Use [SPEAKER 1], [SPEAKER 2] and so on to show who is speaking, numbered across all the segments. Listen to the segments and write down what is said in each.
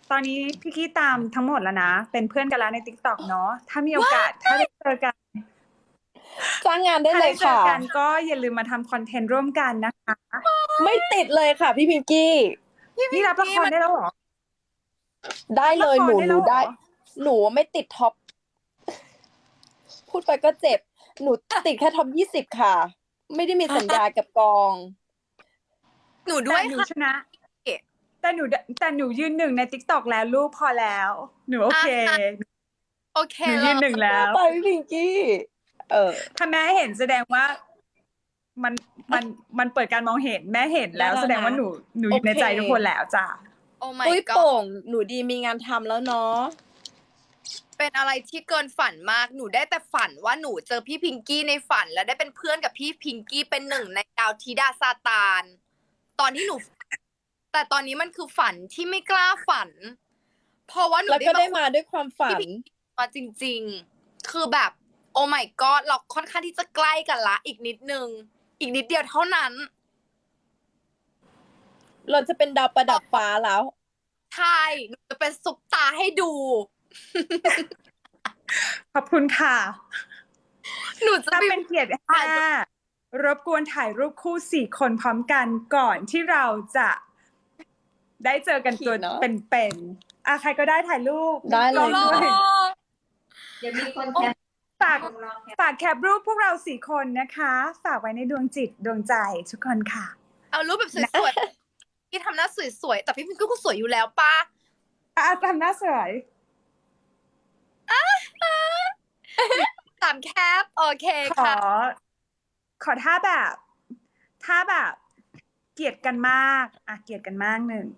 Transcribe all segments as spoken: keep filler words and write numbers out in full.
[SPEAKER 1] ตอนนี้พี่กี้ตามทั้งหมดแล้วนะ เป็นเพื่อนกันแล้วใน TikTok เนาะถ้ามีโอกาสถ้าได้เจอกัน
[SPEAKER 2] จ้างงานได้
[SPEAKER 1] ถ้า
[SPEAKER 2] เล
[SPEAKER 1] ได้
[SPEAKER 2] ย
[SPEAKER 1] เจอ
[SPEAKER 2] ค่ะ
[SPEAKER 1] กันก็อย่าลืมมาทำคอนเทนต์ร่วมกันนะคะ
[SPEAKER 2] ไม่ติดเลยค่ะพี่พิงกี้
[SPEAKER 1] นี่รับละครได้แล้วเหรอ
[SPEAKER 2] ได้เลย
[SPEAKER 1] ละคร
[SPEAKER 2] หนู
[SPEAKER 1] ได้
[SPEAKER 2] ห
[SPEAKER 1] แล้
[SPEAKER 2] นู
[SPEAKER 1] วเหรอ
[SPEAKER 2] ได้ หนูไม่ติดท็อป พูดไปก็เจ็บ หนูติดแค่ท็อปยี่สิบค่ะ ไม่ได้มีสัญญากับกอง
[SPEAKER 3] หนูด้วย
[SPEAKER 1] แต่หนู
[SPEAKER 3] ค่ะ
[SPEAKER 1] ชนะ แต่หนูแต่หนูยืนหนึ่งใน TikTok แล้วลูกพอแล้ว หนูโอเค
[SPEAKER 3] อ่ะ โอเค
[SPEAKER 1] หนูยืนหนึ่งแล้ว
[SPEAKER 2] ไปพี่พิงกี้ เออ
[SPEAKER 1] ถ้าแม่เห็นแสดงว่า มันมันมันเปิดการมองเห็นแม่เห็นแล้ว
[SPEAKER 2] ได้แล้วนะ
[SPEAKER 1] แสดงว่าหนูหนูอยู่ใน
[SPEAKER 2] โอเค
[SPEAKER 1] ใจทุกคนแล้วจ้ะ
[SPEAKER 3] โอ้ my
[SPEAKER 2] ปุ้ย
[SPEAKER 3] god
[SPEAKER 2] โป่ง หนูดีมีงานทำแล้วเนาะ
[SPEAKER 3] เป็นอะไรที่เกินฝันมาก หนูได้แต่ฝันว่าหนูเจอพี่พิงกี้ในฝัน แล้วได้เป็นเพื่อนกับพี่พิงกี้เป็นหนึ่งในดาวธิดาซาตาน ตอนที่หนู แต่ตอนนี้มันคือฝันที่ไม่กล้าฝัน เพราะว่าหนู
[SPEAKER 2] แล้วก็ได้
[SPEAKER 3] มา
[SPEAKER 2] มาด้วยความฝัน
[SPEAKER 3] มาจริงๆ คือแบบ โอ้ my god เราค่อนข้างที่จะใกล้กันละ อีกนิดนึง อีกนิดเดียวเท่านั้น
[SPEAKER 2] เราจะเป็นดาวประดับฟ้าแล้ว
[SPEAKER 3] ใช่ หนูจะเป็นซุปตาให้ดู
[SPEAKER 1] ขอบคุณค่ะ
[SPEAKER 3] หนูจะ
[SPEAKER 1] ถ้า
[SPEAKER 3] ไป
[SPEAKER 1] เป็นเกียรติห้ารบกวนถ่ายรูปคู่สี่คนพร้อมกันก่อนที่เราจะได้เจอกันตัว
[SPEAKER 2] เนอะ
[SPEAKER 1] เป็นๆอ่ะใครก็ได้ถ่ายรูป
[SPEAKER 2] ได้เลย
[SPEAKER 1] กองด้วย
[SPEAKER 4] เดี๋ยวมีคนแคป
[SPEAKER 1] ฝาก
[SPEAKER 4] ของเราแคป
[SPEAKER 1] ฝากแคปรูปพวกเราสี่คนนะคะ ฝากไว้ในดวงจิตดวงใจทุกคนค่ะ
[SPEAKER 3] เอารูปแบบสวยๆ ที่ทำหน้าสวยๆ แต่พี่พิงกี้ก็สวยอยู่แล้วป้า
[SPEAKER 1] อ่ะทำหน้าสวย
[SPEAKER 3] สามแคป โอเค
[SPEAKER 1] ขอ
[SPEAKER 3] ค่ะ
[SPEAKER 1] ขอท่าแบบ ท่าแบบ เกลียดกันมาก อ่ะเกลียดกันมากหนึ่ง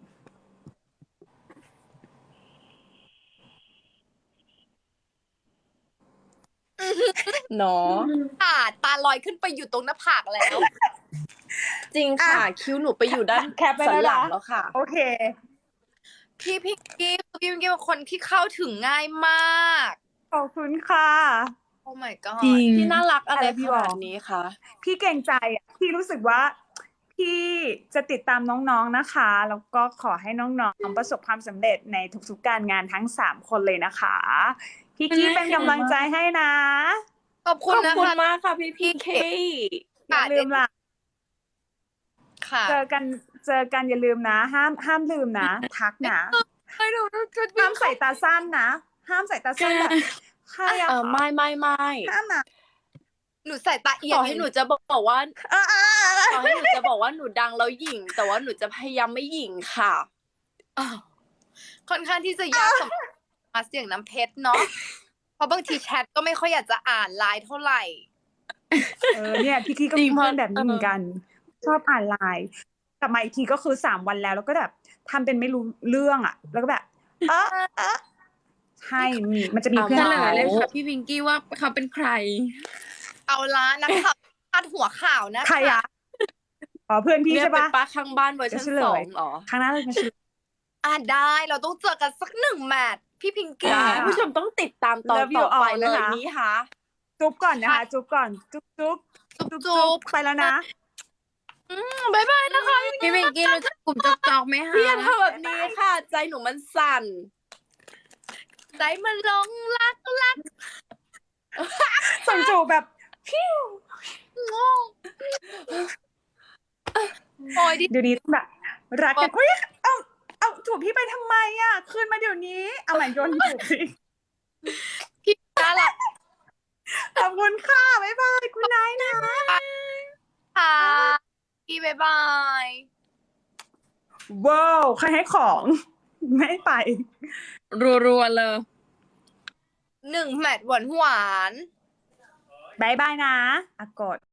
[SPEAKER 2] เนาะ
[SPEAKER 3] ค่ะ ตาลอยขึ้นไปอยู่ตรงหน้าผากแล้ว
[SPEAKER 2] จริงค่ะ
[SPEAKER 1] อ่ะ
[SPEAKER 2] คิ้วหนูไปอยู่ด้าน
[SPEAKER 1] แคปไป
[SPEAKER 2] สัน
[SPEAKER 1] แล้ว
[SPEAKER 2] หลัง
[SPEAKER 1] นะ
[SPEAKER 2] แล้วค่ะ
[SPEAKER 1] โอเค
[SPEAKER 3] พี่พิงกี้พี่พิงกี้เป็นคนที่เข้าถึงง่ายมาก
[SPEAKER 1] ขอบคุณค่ะ
[SPEAKER 3] โอ้ my god
[SPEAKER 2] พี่น่ารักอะไร
[SPEAKER 1] อะไรพี่
[SPEAKER 2] ข
[SPEAKER 1] บอก
[SPEAKER 2] นาดนี้คะ
[SPEAKER 1] พี่เกรงใจอ่ะพี่รู้สึกว่าพี่จะติดตามน้องๆนะคะ แล้วก็ขอให้น้องๆประสบความสำเร็จในทุกๆการงานทั้งสามคนเลยนะคะ พี่กี้เป็นกำลังใจให้นะ
[SPEAKER 3] ขอบคุณ
[SPEAKER 2] ขอบ
[SPEAKER 3] นะ
[SPEAKER 2] คุณ
[SPEAKER 3] คะ
[SPEAKER 2] มากค่ะพี่พี่เค
[SPEAKER 1] อย่าลืมล่ะ
[SPEAKER 3] ค่ะ
[SPEAKER 1] เจอกันเจอกันอย่าลืมนะ ห้ามห้ามลืมนะ ทักนะ
[SPEAKER 3] ให้หนูชุด
[SPEAKER 1] ห้ามใส่ตาสั้นนะ ห้ามใส่ตาสั้นแบบใครอะ
[SPEAKER 2] เออไม่ไม่ไม่
[SPEAKER 1] ห้ามนะ
[SPEAKER 3] หนูใส่ตาเอีย
[SPEAKER 2] ต่
[SPEAKER 3] ง
[SPEAKER 2] อให้หนูจะบอกว่า
[SPEAKER 1] เออเออเออ
[SPEAKER 2] ต่อให้หนูจะบอกว่าหนูดังแล้วหยิ่ง แต่ว่าหนูจะพยายามไม่หยิ่งค่ะ
[SPEAKER 3] อ้าวค่อนข้างที่จะยากสำหรับมาเสียงน้ำเพชรเนาะ เพราะบางทีแชทก็ไม่ค่อยอยากจะอ่านไลน์เท่าไหร่
[SPEAKER 1] เออเนี่ยพี่กี้ก็
[SPEAKER 2] จริ
[SPEAKER 1] มี
[SPEAKER 2] ง
[SPEAKER 1] เพื่อน
[SPEAKER 2] เพราะ
[SPEAKER 1] แบบนี้เหมือนกัน ชอบอ่านไลน์กลับมาอีกทีก็คือสามวันแล้ว แล้วก็แบบทำเป็นไม่รู้เรื่องอ่ะ แล้วก็แบบ เออเออใช่มีมันจะมี
[SPEAKER 2] เอา
[SPEAKER 1] เพื่อน
[SPEAKER 2] มา
[SPEAKER 1] แบบ
[SPEAKER 5] เล
[SPEAKER 1] นั้
[SPEAKER 5] ย
[SPEAKER 1] น
[SPEAKER 5] ค่ะพี่วิงกี้ว่าเขาเป็นใคร
[SPEAKER 3] เอาละนักข่าวพาดหัวข่าวนะ
[SPEAKER 1] ใครอะอ๋อเพื่อนพี่
[SPEAKER 2] เนี่ย
[SPEAKER 1] ใช่
[SPEAKER 2] เป็น
[SPEAKER 1] ปะ
[SPEAKER 2] ป้าข้างบ้านเวอร์ชัน
[SPEAKER 1] เดี๋ยวเฉลย
[SPEAKER 2] สองเหรอ
[SPEAKER 1] ครั้งหน้าเลยมาชิม
[SPEAKER 3] อ่ะได้เราต้องเจอกันสักหนึ่งแมตช์พี่พิงกี้
[SPEAKER 1] ได้
[SPEAKER 2] คุณผู้ชมต้องติดตามตอน
[SPEAKER 1] Love you
[SPEAKER 2] ต่อไป
[SPEAKER 1] all
[SPEAKER 2] เล
[SPEAKER 1] นะ
[SPEAKER 2] ย
[SPEAKER 1] คะ
[SPEAKER 2] นี้ค่ะ
[SPEAKER 1] จุ๊บก่อนนะคะ จุ๊บก่อน จุ๊บจุ๊บ
[SPEAKER 3] จุ๊บ
[SPEAKER 1] จุ๊บ
[SPEAKER 3] จุ๊บ
[SPEAKER 1] ไปแล้วนะ
[SPEAKER 3] อืมบ๊ายบายนะคะ
[SPEAKER 5] พี่วิงกี้รู้จักกลุ่มจอกจอกไหมคะ
[SPEAKER 2] พี่อย่าทำแบบนี้ค่ะ ใจหนูมันสั่น
[SPEAKER 3] ใจมันหลงรักรัก
[SPEAKER 1] ส่งจูบแบบพิ้ว
[SPEAKER 3] งงโอ้ยดิ
[SPEAKER 1] เดี๋ยวนี้ต้องแบบรักกันเฮ้ยเอาเอาจูบพี่ไปทำไมอ่ะ คืนมาเดี๋ยวนี้ เอาใหม่โยนจูบสิ
[SPEAKER 3] พี่น่ารัก
[SPEAKER 1] ขอบคุณค่ะ บ๊ายบาย คุณนายนะ
[SPEAKER 3] ค่ะพี่บ๊ายบาย
[SPEAKER 1] ว้าว ใครให้ของ ไม่ไป
[SPEAKER 5] รัวๆเลย
[SPEAKER 3] หนึ่งแมตช์หวานหวาน
[SPEAKER 1] บายบายนะอากด